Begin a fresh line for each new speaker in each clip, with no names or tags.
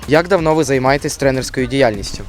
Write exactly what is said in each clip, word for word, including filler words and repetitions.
Як давно ви займаєтесь тренерською діяльністю?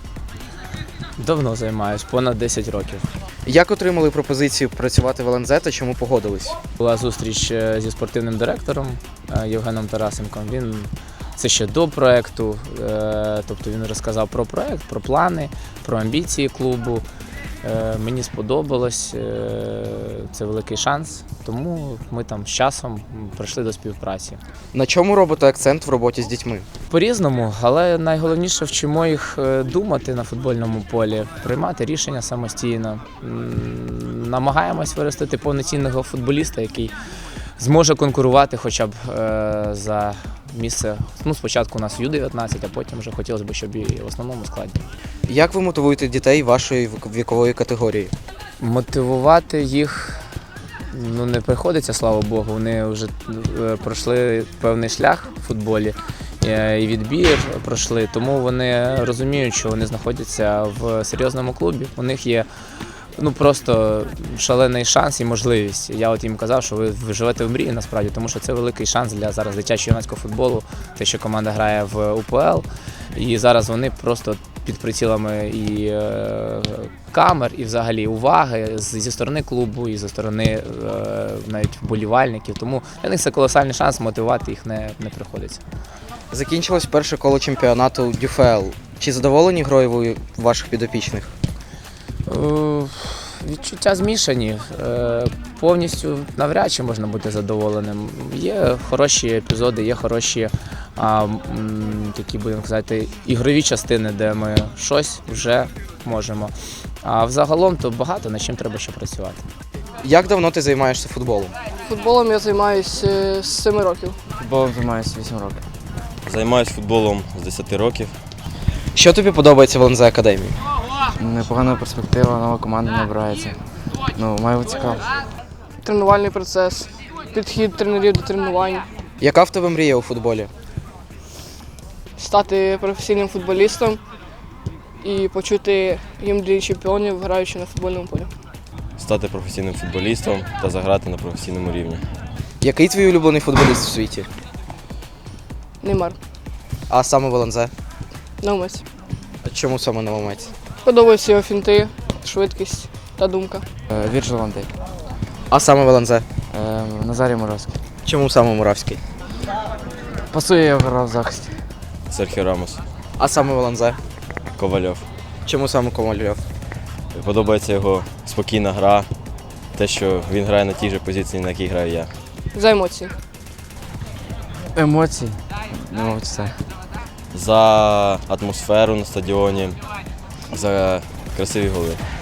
Давно займаюсь, понад десять років.
Як отримали пропозицію працювати в ел ен зет та чому погодились?
Була зустріч е, зі спортивним директором е, Євгеном Тарасенком. Він це ще до проєкту, е, тобто він розказав про проєкт, про плани, про амбіції клубу. Е, Мені сподобалось, е, це великий шанс, тому ми там з часом прийшли до співпраці.
На чому робите акцент в роботі з дітьми?
По-різному, але найголовніше вчимо їх е, думати на футбольному полі, приймати рішення самостійно. М, Намагаємось виростити повноцінного футболіста, який зможе конкурувати хоча б е, за місце. Ну, спочатку у нас ю дев'ятнадцять, а потім вже хотілося б, щоб і в основному складі.
Як ви мотивуєте дітей вашої вікової категорії?
Мотивувати їх ну, не приходиться, слава Богу. Вони вже е, пройшли певний шлях в футболі е, і відбір пройшли, тому вони розуміють, що вони знаходяться в серйозному клубі. У них є ну, просто шалений шанс і можливість. Я от їм казав, що ви, ви живете в мрії насправді, тому що це великий шанс для зараз дитячого юнацького футболу, те, що команда грає в у пе ел. І зараз вони просто під прицілами і е, камер, і взагалі уваги зі сторони клубу, і зі сторони е, навіть вболівальників. Тому для них це колосальний шанс, мотивувати їх не, не приходиться.
Закінчилось перше коло чемпіонату дю еф ел. Чи задоволені грою ви ваших підопічних?
Е, Відчуття змішані. Е, Повністю навряд чи можна бути задоволеним. Є хороші епізоди, є хороші а, м, такі, будемо казати, ігрові частини, де ми щось вже можемо. А взагалом то багато, над чим треба ще працювати.
Як давно ти займаєшся футболом?
Футболом я займаюся з семи років.
Футболом займаюся вісім років.
Займаюсь футболом з десяти років.
Що тобі подобається в ел ен зет Академії?
Непогана перспектива, нова команда набирається. Ну, має бути цікаво.
Тренувальний процес, підхід тренерів до тренувань,
Яка в тебе мрія у футболі?
стати професійним футболістом і почути гімн Ліги чемпіонів, граючи на футбольному полі.
Стати професійним футболістом та заграти на професійному рівні.
Який твій улюблений футболіст у світі?
Неймар,
А саме в ел ен зет?
Наумець.
Чому саме Новомець?
Подобаються його фінти, швидкість та думка.
Е, Вірджил Ван Дейк.
А саме в ел ен зет?
Е, Назарій Муравський.
Чому саме Муравський?
Пасує, я грав в захисті.
Серхіо Рамос,
А саме в ел ен зет?
Ковальов.
Чому саме Ковальов?
Подобається його спокійна гра, те, що він грає на тій же позиції, на якій граю я.
За емоції.
Емоції. Не можу це.
За атмосферу на стадіоні, за красиві голи.